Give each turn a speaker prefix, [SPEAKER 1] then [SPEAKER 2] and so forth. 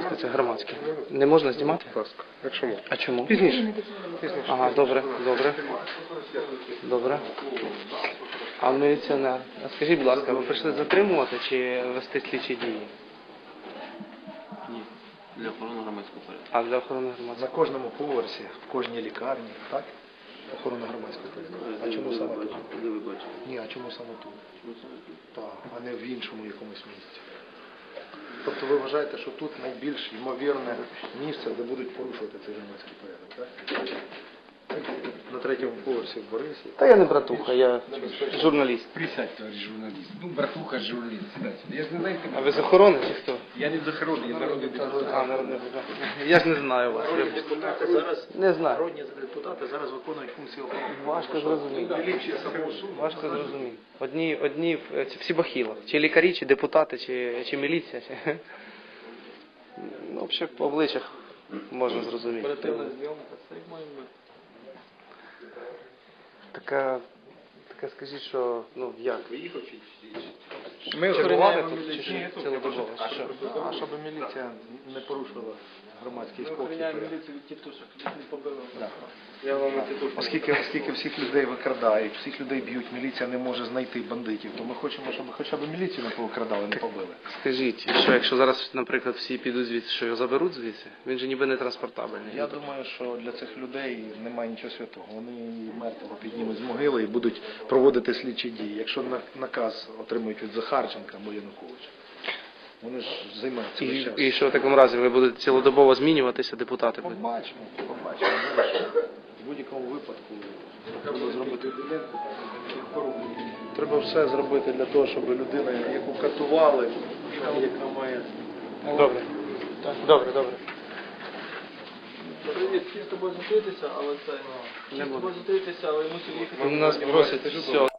[SPEAKER 1] ласка, це громадське. Не можна знімати?
[SPEAKER 2] Будь ласка. Якщо можна.
[SPEAKER 1] А чому?
[SPEAKER 2] Пізніше.
[SPEAKER 1] Ага, добре, добре. Добре. А міліціонер? А скажіть, будь ласка, ви прийшли затримувати чи вести слідчі дії?
[SPEAKER 3] Ні, для охорони громадського порядку.
[SPEAKER 1] А для охорони
[SPEAKER 4] На
[SPEAKER 1] громадського?
[SPEAKER 4] кожному поверсі, в кожній лікарні, так? Охорона громадського порядку. А чому саме тут?
[SPEAKER 3] Де ви бачите?
[SPEAKER 4] Ні, а чому саме тут?
[SPEAKER 3] Чому саме тут?
[SPEAKER 4] Так, а не в іншому якомусь місці. Тобто ви вважаєте, що тут найбільш ймовірне місце, де будуть порушувати цей громадський порядок, так? На третьому поверсі в Борисі.
[SPEAKER 1] Та я не братуха, я журналіст.
[SPEAKER 5] Присядь, товарищ журналист. Ну, братуха журналист, сідайте. Я ж не знаю,
[SPEAKER 1] А ви з охорони чи хто?
[SPEAKER 5] я не захоронений, я народний депутат.
[SPEAKER 1] А, народний депутат. Я ж не знаю вас.
[SPEAKER 4] Народні депутати зараз,
[SPEAKER 1] Не знаю.
[SPEAKER 4] народні депутати зараз виконують функції охорони.
[SPEAKER 1] Важко зрозуміти.
[SPEAKER 4] Міліція самого суду.
[SPEAKER 1] Важко зрозуміти. Одні всі бахіла. Чи лікарі, чи депутати, чи міліція. Ну, взагалі по обличчях можна зрозуміти.
[SPEAKER 3] Оперативна зйомка, це як має бути.
[SPEAKER 1] Така скажіть, що, ну, як?
[SPEAKER 5] Ми
[SPEAKER 1] Чергувати
[SPEAKER 5] охороняємо
[SPEAKER 1] тут, чи
[SPEAKER 5] міліцію.
[SPEAKER 1] що? Цілодобово, чи що?
[SPEAKER 4] А щоб міліція не порушила громадський
[SPEAKER 3] Ми
[SPEAKER 4] спокій.
[SPEAKER 3] охороняємо міліцію від тітушок, їх не побили.
[SPEAKER 4] Да.
[SPEAKER 3] Я вам тітушок.
[SPEAKER 4] Оскільки всіх людей викрадають, всіх людей б'ють, міліція не може знайти бандитів, то ми хочемо, щоб хоча б міліцію не повикрадали, не побили.
[SPEAKER 1] Скажіть, що якщо зараз, наприклад, всі підуть звідси, що його заберуть звідси? Він же ніби не транспортабельний.
[SPEAKER 4] Я думаю, що для цих людей немає нічого святого. Вони мертвого піднімуть з могили і будуть проводити слідчі дії. Якщо наказ отримують від Захарченка або Януковича, вони ж займаються весь час.
[SPEAKER 1] І що в такому разі ви будете цілодобово змінюватися, депутати?
[SPEAKER 4] Побачимо. В будь-якому випадку треба все зробити для того, щоб людина, яку катували, яка має...
[SPEAKER 1] Добре. Добре.
[SPEAKER 3] Привіт, всі з тобою зустрітися, але це... Всі з тобою зустрітися, але мусив їхати.
[SPEAKER 1] Нас просять все.